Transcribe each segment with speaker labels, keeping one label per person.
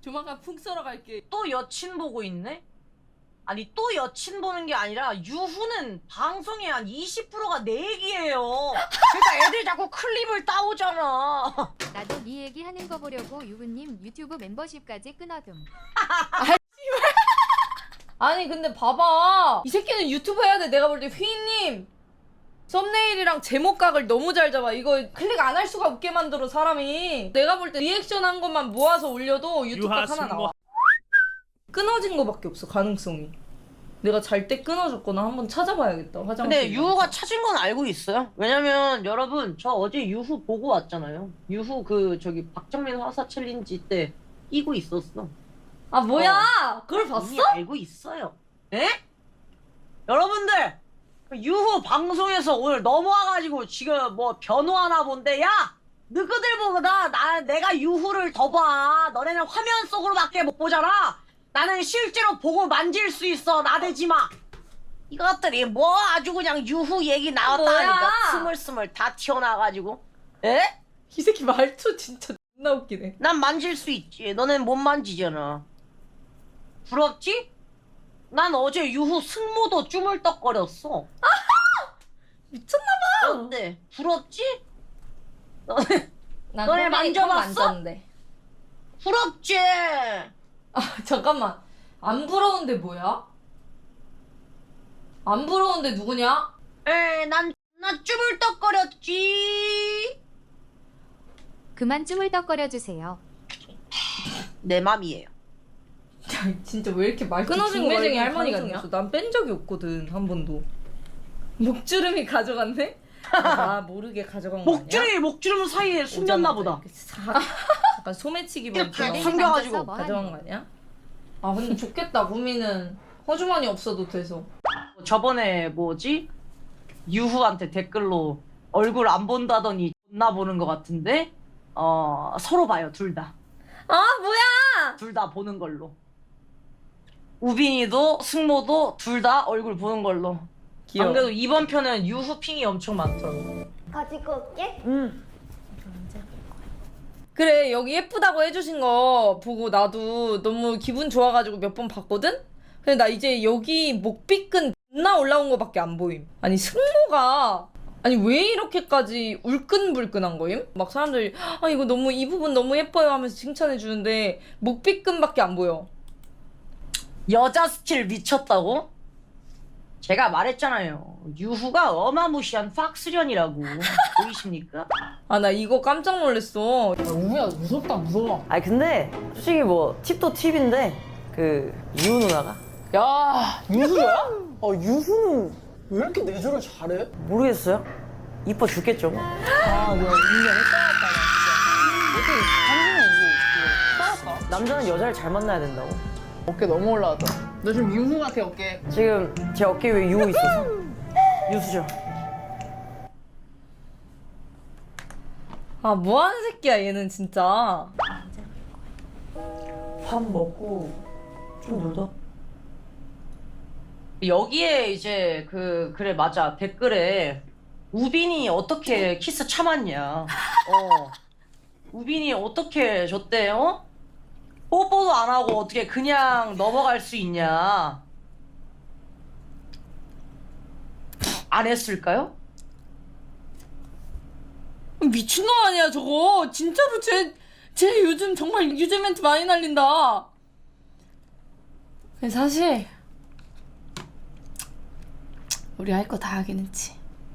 Speaker 1: 조만간 풍 썰어 갈게.
Speaker 2: 또 여친 보고 있네? 아니 또 여친 보는 게 아니라 유후는 방송의 한 20%가 내 얘기예요. 그러니까 애들이 자꾸 클립을 따오잖아.
Speaker 3: 나도 네 얘기 하는 거 보려고 유부님 유튜브 멤버십까지 끊어둠.
Speaker 1: 아니 근데 봐봐, 이 새끼는 유튜브 해야 돼. 내가 볼 때 휘인님 썸네일이랑 제목각을 너무 잘 잡아. 이거 클릭 안 할 수가 없게 만들어 사람이. 내가 볼 때 리액션 한 것만 모아서 올려도 유튜브각 하나 나와. 끊어진 거밖에 없어, 가능성이. 내가 잘 때 끊어졌거나 한번 찾아봐야겠다. 화장실.
Speaker 2: 근데 유후가 찾은 건 알고 있어요. 왜냐면 여러분 저 어제 유후 보고 왔잖아요. 유후 그 저기 박정민 화사 챌린지 때 끼고 있었어.
Speaker 1: 아 뭐야? 그걸 봤어?
Speaker 2: 이미 알고 있어요. 에? 여러분들 유후 방송에서 오늘 넘어와가지고 지금 뭐 변호하나 본데, 야! 너희들 보다 내가 유후를 더 봐. 너네는 화면 속으로밖에 못 보잖아. 나는 실제로 보고 만질 수 있어. 나대지 마. 이것들이 뭐 아주 그냥 유후 얘기 나왔다 하니까 스물스물 다 튀어나와가지고. 에?
Speaker 1: 이 새끼 말투 진짜 존나 웃기네.
Speaker 2: 난 만질 수 있지. 너넨 못 만지잖아. 부럽지? 난 어제 유후 승모도 쭈물떡거렸어.
Speaker 1: 미쳤나봐.
Speaker 2: 어때? 부럽지?
Speaker 1: 난
Speaker 2: 너네 만져봤어?
Speaker 1: 만졌는데.
Speaker 2: 부럽지?
Speaker 1: 아 잠깐만, 안 부러운데 뭐야? 안 부러운데 누구냐?
Speaker 2: 난 쭈물떡거렸지.
Speaker 3: 그만 쭈물떡거려주세요.
Speaker 2: 내 맘이에요.
Speaker 1: 야, 진짜 왜 이렇게 말투
Speaker 4: 끊어진 거
Speaker 1: 중매쟁이
Speaker 4: 말고
Speaker 1: 할머니
Speaker 4: 가능성이
Speaker 1: 같냐? 난 뺀 적이 없거든, 한 번도. 목주름이 가져갔네? 나 모르게 가져간 거 아니야?
Speaker 2: 목주름 사이에 숨겼나 보다.
Speaker 1: 약간 소매치기
Speaker 2: 이렇게
Speaker 1: 범처럼
Speaker 2: 다 숨겨가지고
Speaker 3: 만져서 뭐
Speaker 1: 가져간 거 아니야? 아 근데 좋겠다. 무미는 허주머니 없어도 돼서.
Speaker 2: 저번에 뭐지? 유후한테 댓글로 얼굴 안 본다더니 존나 보는 것 같은데 서로 봐요, 둘 다.
Speaker 1: 아 뭐야?
Speaker 2: 둘 다 보는 걸로. 우빈이도 승모도 둘 다 얼굴 보는 걸로.
Speaker 1: 귀여워.
Speaker 2: 안 그래도 이번 편은 유후 핑이 엄청 많더라고.
Speaker 5: 가지고 올게.
Speaker 1: 그래, 여기 예쁘다고 해주신 거 보고 나도 너무 기분 좋아가지고 몇 번 봤거든? 근데 나 이제 여기 목비끈 존나 올라온 거밖에 안 보임. 아니 승모가 아니 왜 이렇게까지 울끈불끈한 거임? 막 사람들이 아 이거 너무 이 부분 너무 예뻐요 하면서 칭찬해 주는데 목비끈밖에 안 보여.
Speaker 2: 여자 스킬 미쳤다고? 제가 말했잖아요. 유후가 어마무시한 팍스련이라고. 보이십니까?
Speaker 1: 아 나 이거 깜짝 놀랐어.
Speaker 4: 우미야 무섭다 무서워.
Speaker 6: 아니 근데 솔직히 뭐 팁도 팁인데 그 유우 누나가
Speaker 4: 야 유수야? 유수는 왜 이렇게 내조를 잘해?
Speaker 6: 모르겠어요. 이뻐 죽겠죠. 뭐.
Speaker 4: 아 내가 인간을 싸웠다 나 진짜. 어떻게 한준이 이거 싸웠다?
Speaker 6: 남자는 여자를 잘 만나야 된다고.
Speaker 4: 어깨 너무 올라왔다. 너 지금 유수 같아 어깨.
Speaker 6: 지금 제 어깨 위에 유우 있어서 유수죠.
Speaker 1: 아 뭐하는 새끼야 얘는 진짜.
Speaker 6: 밥 먹고 좀 놀다.
Speaker 2: 여기에 이제 그래 맞아 댓글에 우빈이 어떻게 키스 참았냐. 우빈이 어떻게 줬대? 뽀뽀도 안 하고 어떻게 그냥 넘어갈 수 있냐. 안 했을까요?
Speaker 1: 미친놈 아니야 저거. 진짜로 쟤 요즘 정말 유재 멘트 많이 날린다. 근데 사실 우리 할 거 다 하긴 했지.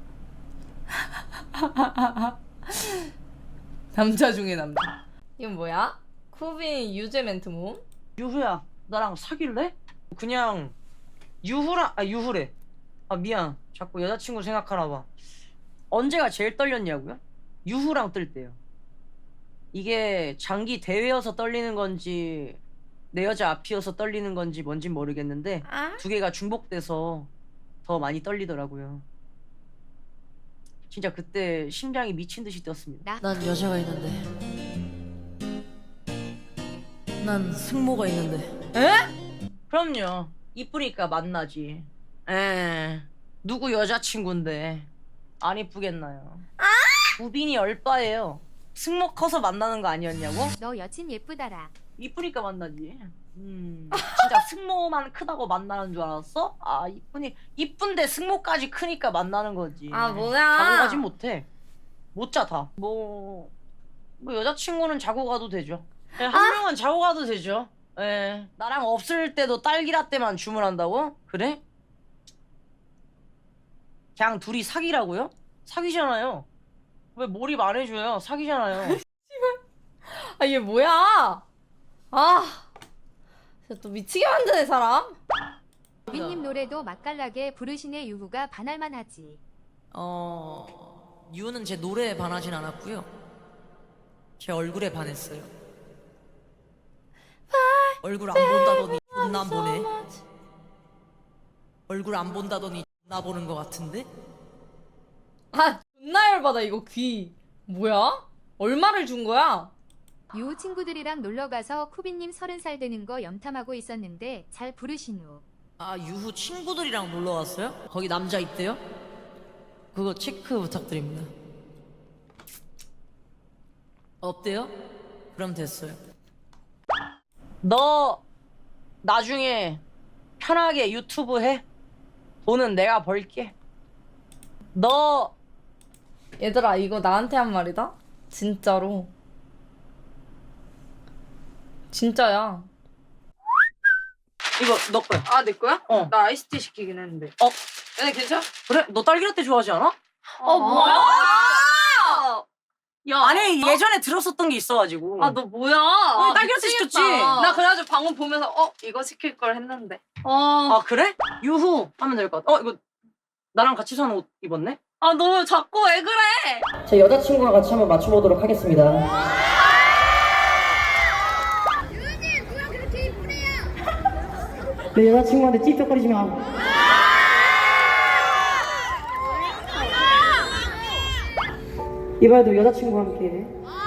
Speaker 1: 남자 중에 남자. 이건 뭐야? 쿠빈 유재 멘트 모음?
Speaker 2: 유후야 나랑 사귈래? 그냥 유후래. 아 미안 자꾸 여자친구 생각하나 봐. 언제가 제일 떨렸냐고요? 유후랑 뜰 때요. 이게 장기 대회여서 떨리는 건지 내 여자 앞이어서 떨리는 건지 뭔진 모르겠는데 두 개가 중복돼서 더 많이 떨리더라고요. 진짜 그때 심장이 미친 듯이 뛰었습니다.
Speaker 6: 난 여자가 있는데. 난 승모가 있는데.
Speaker 2: 에? 그럼요. 이쁘니까 만나지. 누구 여자친구인데 안 이쁘겠나요? 우빈이 얼빠예요. 승모 커서 만나는 거 아니었냐고?
Speaker 3: 너 여친 예쁘더라.
Speaker 2: 이쁘니까 만나지. 진짜 승모만 크다고 만나는 줄 알았어? 아, 이쁜데 승모까지 크니까 만나는 거지.
Speaker 1: 아,
Speaker 2: 자고
Speaker 1: 뭐야.
Speaker 2: 가진 못해. 못 자, 다. 뭐 여자친구는 자고 가도 되죠. 네, 한 명은 자고 가도 되죠. 예. 나랑 없을 때도 딸기라떼만 주문한다고? 그래? 그냥 둘이 사귀라고요? 사귀잖아요. 왜 몰입 안 해줘요? 사귀잖아요.
Speaker 1: 아, 얘 뭐야? 아, 진짜 또 미치게 만드네, 사람.
Speaker 3: 유빈님 노래도 맛깔나게 부르시네. 유후가 반할만 하지.
Speaker 6: 유는 제 노래에 반하진 않았고요. 제 얼굴에 반했어요. 얼굴 안 본다더니 존나 안 보네. 얼굴 안 본다더니 존나 보는 것 같은데?
Speaker 1: 아, 존나 열받아, 이거 귀. 뭐야? 얼마를 준 거야?
Speaker 3: 유후 친구들이랑 놀러가서 쿠비님 30살 되는 거 염탐하고 있었는데 잘 부르신 후.
Speaker 6: 아, 유후 친구들이랑 놀러 왔어요? 거기 남자 있대요? 그거 체크 부탁드립니다. 없대요? 그럼 됐어요.
Speaker 2: 너 나중에 편하게 유튜브 해. 돈은 내가 벌게. 너
Speaker 1: 얘들아, 이거 나한테 한 말이다? 진짜로. 진짜야.
Speaker 2: 이거 너 거야.
Speaker 1: 아, 내 거야?
Speaker 2: 어.
Speaker 1: 나 아이스티 시키긴 했는데.
Speaker 2: 어.
Speaker 1: 얘네 괜찮아?
Speaker 2: 그래? 너 딸기라떼 좋아하지 않아?
Speaker 1: 뭐야? 야,
Speaker 2: 아니 예전에 들었었던 게 있어가지고.
Speaker 1: 아, 너 뭐야?
Speaker 2: 딸기라떼 시켰지?
Speaker 1: 나 그래가지고 방금 보면서 이거 시킬 걸 했는데.
Speaker 2: 아 그래? 유후 하면 될 것 같아. 이거 나랑 같이 산 옷 입었네?
Speaker 1: 아, 너 자꾸 왜 그래?
Speaker 6: 제 여자친구랑 같이 한번 맞춰보도록 하겠습니다. 내 여자친구한테 찝쩍거리지 마. 이번에도 여자친구와 함께